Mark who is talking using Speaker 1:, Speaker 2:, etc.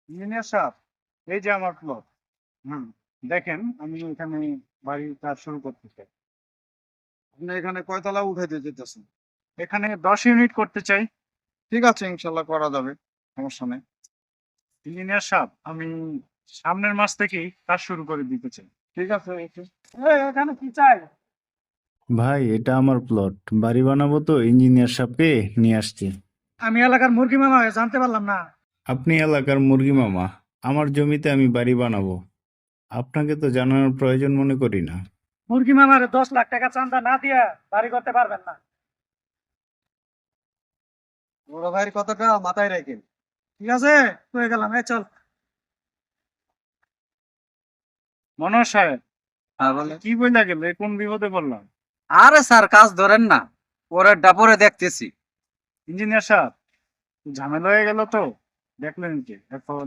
Speaker 1: Engineer সাহেব, এই যে আমার প্লট। হুম, দেখেন আমি এখানে বাড়ির কাজ শুরু করতে চাই।
Speaker 2: আপনি এখানে কয়তলা উঠাইতে যেতেছেন?
Speaker 1: এখানে 10 ইউনিট করতে চাই।
Speaker 2: ঠিক আছে, ইনশাল্লাহ করা যাবে, সমস্যা নেই।
Speaker 1: ইঞ্জিনিয়ার সাহেব, আমি সামনের মাস থেকেই কাজ শুরু করে দিতে চাই।
Speaker 2: ঠিক আছে, ওকে।
Speaker 1: এখানে কি চাই?
Speaker 3: ভাই, এটা আমার প্লট, বাড়ি বানাবো তো ইঞ্জিনিয়ার সাহেবকে নিয়ে আসছি।
Speaker 1: আমি এলাকার মুরগি মামা হয়ে জানতে পারলাম না।
Speaker 3: আপনি এলাকার মুরগি মামা, আমার জমিতে আমি বাড়ি বানাবো, আপনাকে তো জানানোর প্রয়োজন মনে করি না।
Speaker 1: মুরগি মামার 10 লাখ টাকা চাঁদা না দিয়া বাড়ি করতে পারবেন না।
Speaker 2: বড় ভাইয়ের কথাটা মাথায় রাখেন।
Speaker 1: ঠিক আছে, হয়ে গেলাম, চল। মনোজ সাহেব,
Speaker 2: হ্যাঁ বলে।
Speaker 1: কি বইলা গেল, কোন বিপদে পড়লাম?
Speaker 2: আরে স্যার, কাজ ধরেন না, পরেরটা পরে দেখতেছি।
Speaker 1: ইঞ্জিনিয়ার সাহেব, ঝামেলা হয়ে গেল তো, দেখলেন কি এখন